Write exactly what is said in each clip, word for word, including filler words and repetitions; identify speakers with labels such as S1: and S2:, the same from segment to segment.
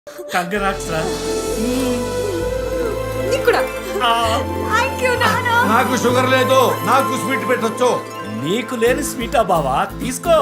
S1: Congrats రా.
S2: నీకు కూడా థ్యాంక్ యూ నాన్న.
S3: నాకు షుగర్ లేదు, నాకు స్వీట్ పెట్టొచ్చు.
S1: నీకు లేని స్వీటా బావా, తీసుకో.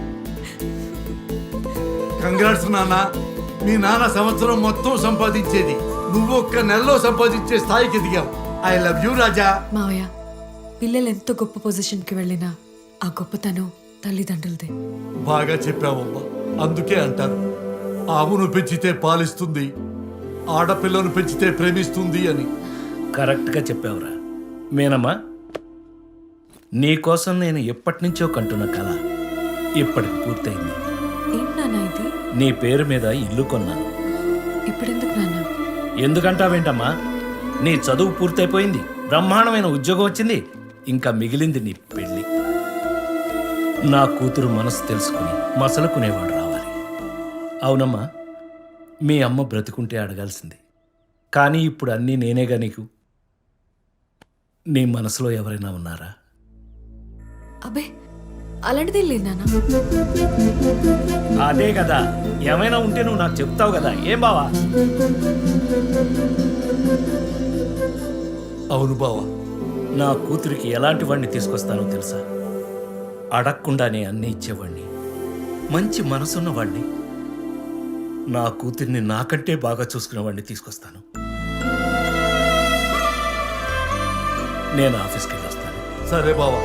S3: కంగ్రాట్స్ నాన్న. మీ నాన్న సంవత్సరం మొత్తం సంపాదించేది నువ్వు ఒక్క నెలలో సంపాదించే స్థాయికి ఎదిగావు. I love you Raja.
S2: మావయ్య, పిల్లలు ఎంత గొప్ప పొజిషన్కి వెళ్ళినా ఆ గొప్పతనం తల్లిదండ్రులదే.
S3: బాగా చెప్పావమ్మా. అందుకే అంటారు ఆవును పెంచితే పాలిస్తుంది, ఆడపిల్లను పెంచితే ప్రేమిస్తుంది అని.
S1: కరెక్ట్గా చెప్పావురా. మేనమ్మా, నీకోసం నేను ఎప్పటి నుంచో కంటున్న కళ ఇప్పటికి పూర్తయింది.
S2: ఏంటి నాన్న ఇది?
S1: నీ పేరు మీద ఇల్లు కొన్నాను.
S2: ఇప్పుడెందుకు నాన్న?
S1: ఎందుకంటావేంటమ్మా? నీ చదువు పూర్తయిపోయింది, బ్రహ్మాండమైన ఉద్యోగం వచ్చింది, ఇంకా మిగిలింది నీ పెళ్ళి. నా కూతురు మనసు తెలుసుకుని మసలుకునేవాడు రావాలి. అవునమ్మా, మీ అమ్మ బ్రతుకుంటే అడగాల్సింది, కానీ ఇప్పుడు అన్నీ నేనేగా నీకు. నీ మనసులో ఎవరైనా ఉన్నారా?
S2: అబ్బే, అలాంటిదేం లేదు నాన్న.
S1: అదే కదా, ఏమైనా ఉంటే నువ్వు నాకు చెప్తావు కదా, ఏం బావా?
S3: అవును బావా.
S1: నా కూతురికి ఎలాంటి వాడిని తీసుకొస్తానో తెలుసా? అడగకుండానే అన్నీ ఇచ్చేవాడిని, మంచి మనసున్న వాడిని, నా కూతుర్ని నాకంటే బాగా చూసుకునే వాడిని తీసుకొస్తాను. నేను ఆఫీస్కి వెళ్ళి వస్తాను.
S3: సరే బావా.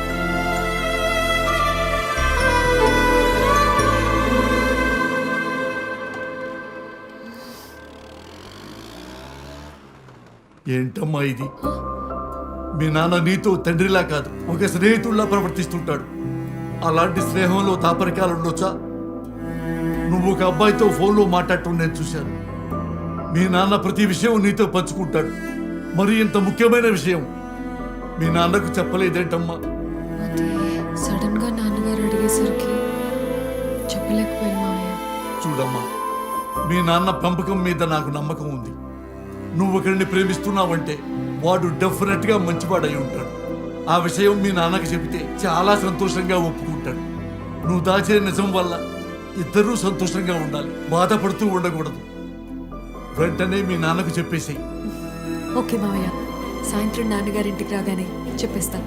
S3: ఏంటమ్మా ఇది? మీ నాన్న నీతో తండ్రిలా కాదు, ఒక స్నేహితుల్లా ప్రవర్తిస్తుంటాడు. అలాంటి స్నేహంలో తాపరికాలు ఉండొచ్చా? నువ్వు ఒక అబ్బాయితో ఫోన్లో మాట్లాడటం నేను చూశాను. మీ నాన్న ప్రతి విషయం నీతో పంచుకుంటాడు. మరి ఇంత ముఖ్యమైన విషయం మీ నాన్నకు చెప్పలేదేంటమ్మా?
S2: అది సడన్ గా నాన్నగారు అడిగేసరికి చెప్పలేకపోయాను మావయ్య.
S3: చూడమ్మా, మీ నాన్న పెంపకం మీద నాకు నమ్మకం ఉంది. నువ్వు ఒకరిని ప్రేమిస్తున్నావంటే వాడు డెఫినెట్ గా మంచివాడై ఉంటాడు. ఆ విషయం మీ నాన్నకి చెబితే చాలా సంతోషంగా ఒప్పుకుంటాడు. నువ్వు దాచే నిజం వల్ల ఇద్దరూ సంతోషంగా ఉండాలి, బాధపడుతూ ఉండకూడదు. వెంటనే మీ నాన్నకు చెప్పేసేయ్.
S2: ఓకే మావయ్య, సాయంత్రం నాన్నగారింటికి రాగానే చెప్పేస్తాను.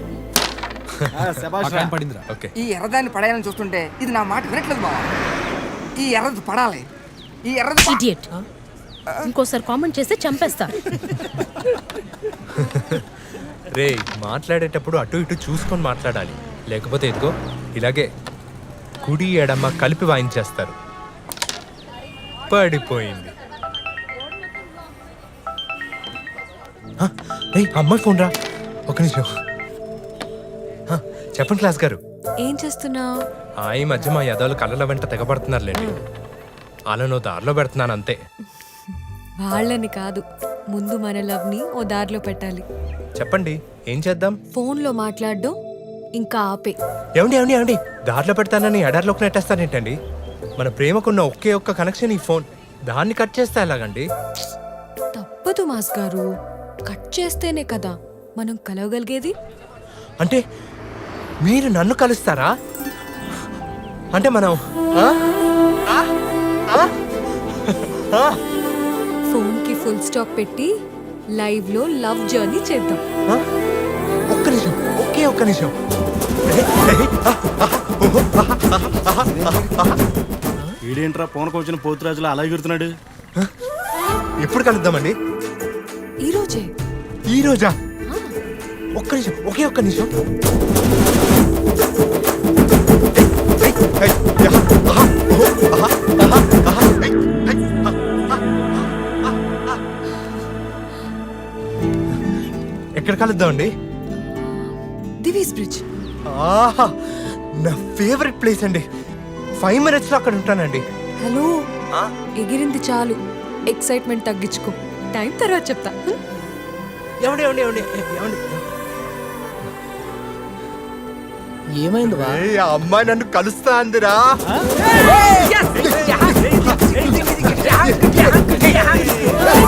S4: ఈ ఎర్రదాన్ని పడేయాలని చూస్తుంటే ఇది నా మాట వినట్లేదు బావా. ఈ ఎర్రది పడాలి. ఈ ఎర్రది ప-
S5: ఇడియట్. ఇంకోసారి కామెంట్ చేస్తే చంపేస్తా.
S6: రే, మాట్లాడేటప్పుడు అటు ఇటు చూసుకొని మాట్లాడాలి, లేకపోతే ఇదిగో ఇలాగే కుడి ఎడమ కలిపి వాయించేస్తారు. పడిపోయింది. హ, రేయ్, అమ్మాయి ఫోన్ రా. ఒక నిమిషం. హ, చెప్పండి క్లాస్ గారు.
S2: ఏం చేస్తున్నావు?
S6: ఆ, ఈ మధ్య మా యదవులు కళ్ళల వెంట తెగబడుతున్నారులేండి. వాళ్ళను దారిలో పెడుతున్నాను అంతే.
S2: వాళ్ళని కాదు, ముందు మన లవ్ ని ఓ దారిలో పెట్టాలి.
S6: చెప్పండి, ఏం చేద్దాం?
S2: ఫోన్లో మాట్లాడడం ఇంకా ఆపే.
S6: ఏమండి ఏమండి ఏమండి దారిలో పెడతానని ఎడారిలోకి నెట్టేస్తానేంటండి? మన ప్రేమకున్న ఒకే ఒక్క కనెక్షన్ ఈ ఫోన్. దాన్ని కట్ చేస్తే ఎలాగండి?
S2: తప్పదు మాస్ గారు, కట్ చేస్తేనే కదా మనం కలవగలిగేది.
S6: అంటే మీరు నన్ను కలుస్తారా? అంటే మనం ఆ? ఆ? ఆ? ఆ?
S2: ఫోన్ కి ఫుల్ స్టాప్ పెట్టి లైవ్ లో లవ్ జర్నీ చేద్దాం.
S6: ఆ? ఒక్క నిమిషం, ఒకే ఒక్క నిమిషం.
S7: ఈడేంట్రా పోనకు వచ్చిన పోతురాజులు అలా ఎగురుతున్నాడు?
S6: ఎప్పుడు కలుద్దామండి?
S2: ఈ రోజే.
S6: ఈ రోజా? ఒక్క నిమిషం, ఒకే ఒక్క నిమిషం. ఎక్కడ కలుద్దామండి?
S2: దివీస్ బ్రిడ్జ్.
S6: ఆహా, నా ఫేవరెట్ ప్లేస్ అండి. ఫైవ్ మినిట్స్ లో అక్కడ ఉంటానండి.
S2: హలో, ఎగిరింది చాలు, ఎక్సైట్మెంట్ తగ్గించుకో. టైం తర్వాత చెప్తా.
S6: ఏమండి ఏమండి ఏమండి ఏమండి
S8: ఏమైంది?
S6: ఆ అమ్మాయి నన్ను కలుస్తా అందిరా.